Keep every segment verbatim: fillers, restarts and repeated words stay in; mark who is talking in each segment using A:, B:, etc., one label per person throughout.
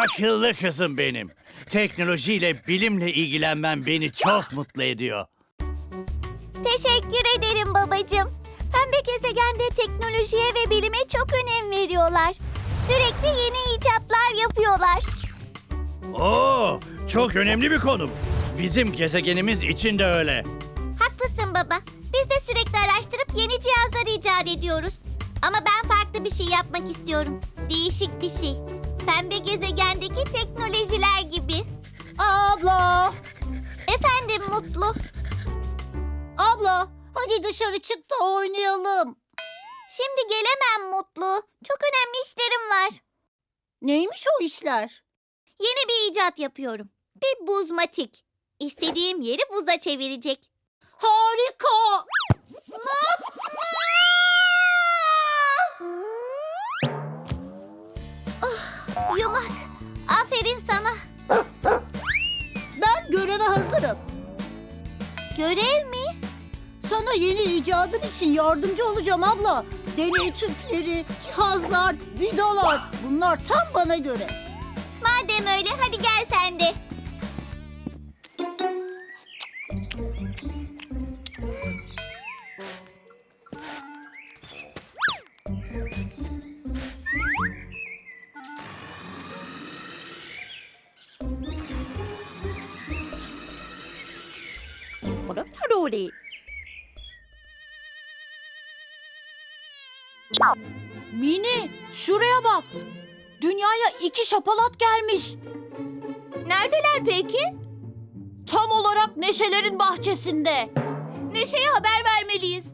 A: Akıllı kızım benim. Teknolojiyle, bilimle ilgilenmen beni çok mutlu ediyor.
B: Teşekkür ederim babacığım. Pembe gezegende teknolojiye ve bilime çok önem veriyorlar. Sürekli yeni icatlar yapıyorlar.
A: Oo, çok önemli bir konu. Bizim gezegenimiz için de öyle.
B: Haklısın baba. Biz de sürekli araştırıp yeni cihazlar icat ediyoruz. Ama ben farklı bir şey yapmak istiyorum. Değişik bir şey. Pembe gezegendeki teknolojiler gibi.
C: Abla!
B: Efendim Mutlu.
C: Abla! Hadi dışarı çık da oynayalım.
B: Şimdi gelemem Mutlu. Çok önemli işlerim var.
C: Neymiş o işler?
B: Yeni bir icat yapıyorum. Bir buzmatik. İstediğim yeri buza çevirecek.
C: Harika!
B: Oh, yumak. Aferin sana.
C: Ben göreve hazırım.
B: Görev mi?
C: Sana yeni icadın için yardımcı olacağım abla. Deney tüpleri, cihazlar, vidalar bunlar tam bana göre.
B: Madem öyle hadi gel sen de.
C: Mini, şuraya bak. Dünyaya iki şapalat gelmiş.
B: Neredeler peki?
C: Tam olarak Neşelerin bahçesinde.
B: Neşe'ye haber vermeliyiz.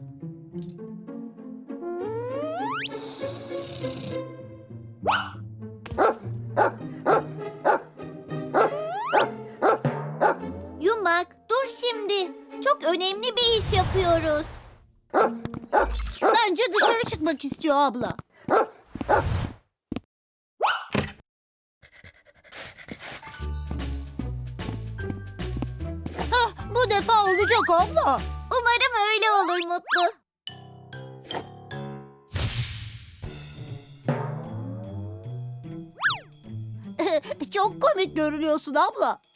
B: Yumak, dur şimdi. Çok önemli bir iş yapıyoruz.
C: Bence dışarı çıkmak istiyor abla. Hah, bu defa olacak abla.
B: Umarım öyle olur Mutlu.
C: Çok komik görünüyorsun abla.